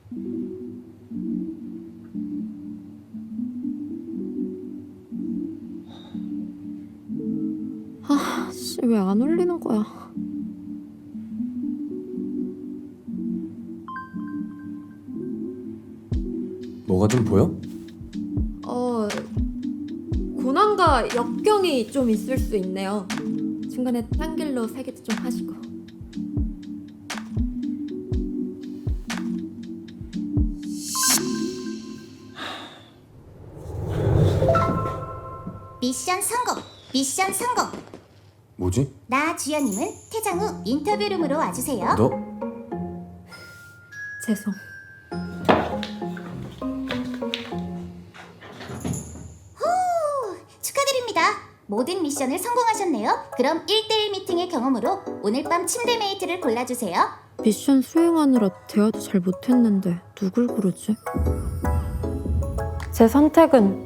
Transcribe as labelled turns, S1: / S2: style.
S1: 아, 씨, 왜 안 울리는 거야?
S2: 뭐가 좀 보여?
S1: 고난과 역경이 좀 있을 수 있네요. 중간에 딴 길로 살기도 좀 하시고.
S3: 미션 성공! 미션 성공!
S2: 뭐지?
S3: 나 주연님은 퇴장 후 인터뷰룸으로 와주세요.
S2: 너?
S1: 죄송.
S3: 축하드립니다. 모든 미션을 성공하셨네요. 그럼 1대1 미팅의 경험으로 오늘 밤 침대 메이트를 골라주세요.
S1: 미션 수행하느라 대화도 잘 못했는데 누굴 고르지? 제 선택은